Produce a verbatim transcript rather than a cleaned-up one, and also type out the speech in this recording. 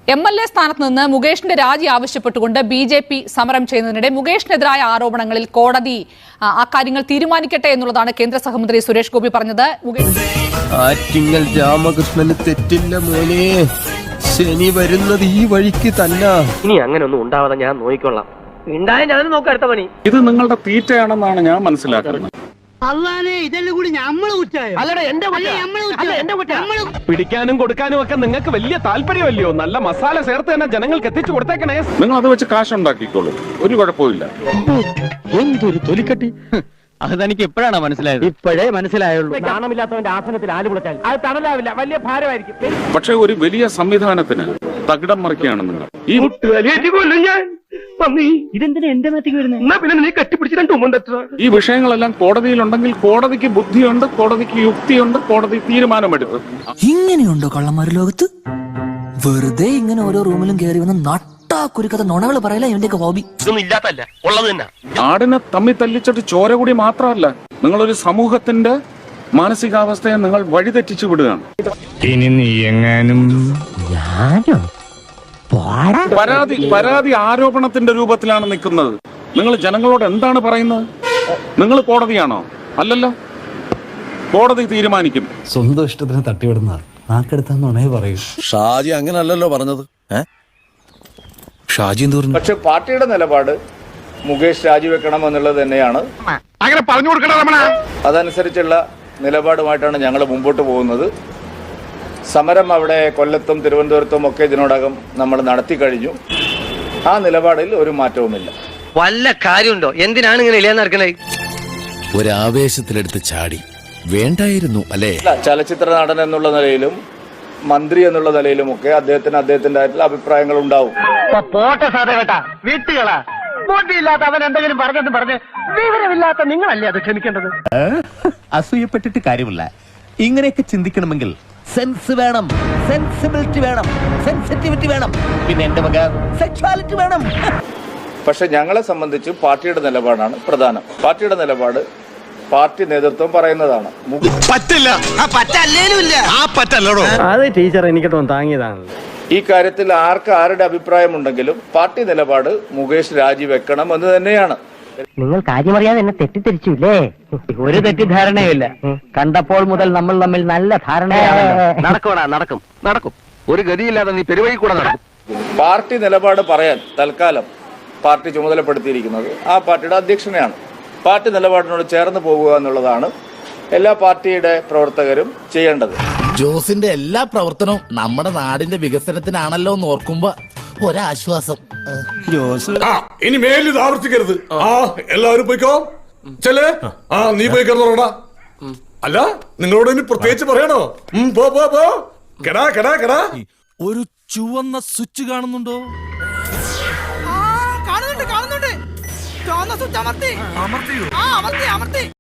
M L A സ്ഥാനത്ത് നിന്ന് മുകേഷിന്റെ രാജി ആവശ്യപ്പെട്ടുകൊണ്ട് ബി ജെ പി സമരം ചെയ്യുന്നതിനിടെ മുകേഷിനെതിരായ ആരോപണങ്ങളിൽ കോടതി അക്കാര്യങ്ങൾ തീരുമാനിക്കട്ടെ എന്നുള്ളതാണ് കേന്ദ്ര സഹമന്ത്രി സുരേഷ് ഗോപി പറഞ്ഞത്. ആറ്റിങ്ങൽ രാമകൃഷ്ണന് തെറ്റില്ല മോനെ, ശനി വരുന്നത് ഈ വഴിക്ക് തന്നെ. ഇനി അങ്ങനെ ഒന്നും ഉണ്ടാവാതെ ഞാൻ നോക്കിക്കൊള്ളാം. ഉണ്ടായ ഞാൻ നോക്കാം അടുത്ത പണി. ഇത് നിങ്ങളുടെ തീറ്റയാണെന്നാണ് ഞാൻ മനസ്സിലാക്കുന്നത്. പിടിക്കാനും കൊടുക്കാനും ഒക്കെ നിങ്ങൾക്ക് വലിയ താല്പര്യമല്ലയോ? നല്ല മസാല ചേർത്ത് തന്നെ ജനങ്ങൾക്ക് എത്തിച്ചു കൊടുത്തേക്കണേ. നിങ്ങൾ അത് വെച്ച് കാശ് ഉണ്ടാക്കിക്കോളൂ, ഒരു കുഴപ്പമില്ല. എന്തൊരു തൊലിക്കട്ടി! അത് തനിക്ക് എപ്പോഴാണ് മനസ്സിലായത്? ഇപ്പോഴേ മനസ്സിലായുള്ളൂ. നാണമില്ലാത്തവന്റെ ആസനത്തിൽ ആല് കുളച്ചാൽ അത് തണലാവില്ല, വലിയ ഭാരമായിരിക്കും. പക്ഷെ ഒരു വലിയ സംവിധാനത്തിന് തകിടം മറിക്കുകയാണ് നിങ്ങൾ. ഈ ഇതെന്തിനാ എന്റെ മേത്തേക്ക് വരുന്നത്? ഈ വിഷയങ്ങളെല്ലാം കോടതിയിലുണ്ടെങ്കിൽ കോടതിക്ക് ബുദ്ധിയുണ്ട്, കോടതിക്ക് യുക്തിയുണ്ട്, കോടതി തീരുമാനമെടുക്കും. ഇങ്ങനെയുണ്ടോ കള്ളന്മാർ ലോകത്ത്? വെറുതെ ഇങ്ങനെ ഓരോ റൂമിലും കയറി വന്ന് നട്ടാ കുരുക്കഥ നുണകൾ പറയല ഇവന്റെയൊക്കെ ഹോബി. ആടിനെ തമ്മി തല്ലിച്ചിട്ട് ചോര കൂടി മാത്രമല്ല, നിങ്ങളൊരു സമൂഹത്തിന്റെ മാനസികാവസ്ഥയെ നിങ്ങൾ വഴിതെറ്റിച്ചു വിടുകയാണ്. ഇനി നീ എങ്ങാനും പരാതി പരാതി ആരോപണത്തിന്റെ രൂപത്തിലാണ് നിൽക്കുന്നത്. നിങ്ങൾ ജനങ്ങളോട് എന്താണ് പറയുന്നത്? നിങ്ങൾ കോടതിയാണോ? അല്ലല്ലോ, കോടതി തീരുമാനിക്കും. സ്വന്തം ഇഷ്ടത്തിന് തട്ടിവിടുന്ന നാക്കെടുത്താന്നുണേ പറയൂ. ഷാജി അങ്ങനല്ലല്ലോ പറഞ്ഞത്. ഷാജി എന്ത് പറഞ്ഞു? പക്ഷെ പാർട്ടിയുടെ നിലപാട് മുകേഷ് രാജിവെക്കണം എന്നുള്ളത് തന്നെയാണ്. അങ്ങനെ പറഞ്ഞു കൊടുക്കണം. അതനുസരിച്ചുള്ള നിലപാടുമായിട്ടാണ് ഞങ്ങൾ മുമ്പോട്ട് പോകുന്നത്. സമരം അവിടെ കൊല്ലത്തും തിരുവനന്തപുരത്തും ഒക്കെ ഇതിനോടകം നമ്മൾ നടത്തി കഴിഞ്ഞു. ആ നിലപാടിൽ ഒരു മാറ്റവുമില്ല. വല്ല കാര്യമുണ്ടോ? എന്തിനാണ് ഇങ്ങനെ ഇല്ലാന്ന് നടക്കണേ? ഒരാവേശത്തിലെടുത്ത് ചാടി വേണ്ടായിരുന്നു അല്ലേ? ചലച്ചിത്ര നടൻ എന്നുള്ള നിലയിലും മന്ത്രി എന്നുള്ള നിലയിലും ഒക്കെ അദ്ദേഹത്തിന് അദ്ദേഹത്തിന്റെ ആയിട്ടുള്ള അഭിപ്രായങ്ങൾ ഉണ്ടാവും. പോട്ടെ സാറേ കേട്ടാ, വീട്ടുകളാ ബോട്ടിയില്ലാത്ത അവൻ എന്തെങ്കിലും പറഞ്ഞെന്ന് പറഞ്ഞ് വിവരമില്ലാത്ത നിങ്ങളല്ലേ അത് ക്ഷമിക്കേണ്ടത്? അസൂയപ്പെട്ടിട്ട് കാര്യമില്ല. ഇങ്ങനെയൊക്കെ ചിന്തിക്കണമെങ്കിൽ സെൻസ് വേണം, സെൻസിബിലിറ്റി വേണം, സെൻസിറ്റിവിറ്റി വേണം, പിന്നെ എന്റെ വക സെക്സ്വാലിറ്റി വേണം. പക്ഷെ ഞങ്ങളെ സംബന്ധിച്ച് പാർട്ടിയുടെ നിലപാടാണ് പ്രധാനം. പാർട്ടിയുടെ നിലപാട് പാർട്ടി നേതൃത്വം പറയുന്നതാണ്. പറ്റില്ല, അത് ടീച്ചർ എനിക്കിട്ടൊന്ന് താങ്ങിയതാണ്. ഈ കാര്യത്തിൽ ആർക്ക് ആരുടെ അഭിപ്രായമുണ്ടെങ്കിലും പാർട്ടി നിലപാട് മുകേഷ് രാജിവെക്കണം എന്ന് തന്നെയാണ്. നിങ്ങൾ കാര്യമറിയാതെ എന്നെ തെറ്റിദ്ധരിച്ചില്ലേ? ഒരു തെറ്റിദ്ധാരണയുമില്ല. കണ്ടപ്പോൾ മുതൽ നമ്മൾ തമ്മിൽ നല്ല ധാരണയാണ്. നടക്കണ നടക്കും നടക്കും ഒരു ഗതിയില്ലാതെ നീ പെരുവഴി കൂടെ നടക്കും. പാർട്ടി നിലപാട് പറയാൻ തൽക്കാലം പാർട്ടി ചുമതലപ്പെടുത്തിയിരിക്കുന്നത് ആ പാർട്ടിയുടെ അധ്യക്ഷനെയാണ്. പാർട്ടി നിലപാടിനോട് ചേർന്ന് പോകുക എന്നുള്ളതാണ് എല്ലാ പാർട്ടിയുടെ പ്രവർത്തകരും ചെയ്യേണ്ടത്. ജോസിന്റെ എല്ലാ പ്രവർത്തനവും നമ്മുടെ നാടിന്റെ വികസനത്തിനാണല്ലോ എന്ന് ഓർക്കുമ്പോ ഒരാശ്വാസം. ഇനി മേലിത് ആവർത്തിക്കരുത്. ആ എല്ലാവരും പോയിക്കോ. ചെല്ലേ, ആ നീ പോയി കിടന്നോടാ. അല്ല, നിങ്ങളോട് ഇനി പ്രത്യേകിച്ച് പറയണോ? പോ പോ പോ. കെടാ കെടാ കെടാ. ഒരു ചുവന്ന സ്വിച്ച് കാണുന്നുണ്ടോ? കാണുന്നുണ്ട് കാണുന്നുണ്ട്. ചുവന്ന സ്വിച്ച് അമർത്തി. അമർത്തിയോ? ആ അമർത്തി അമർത്തി.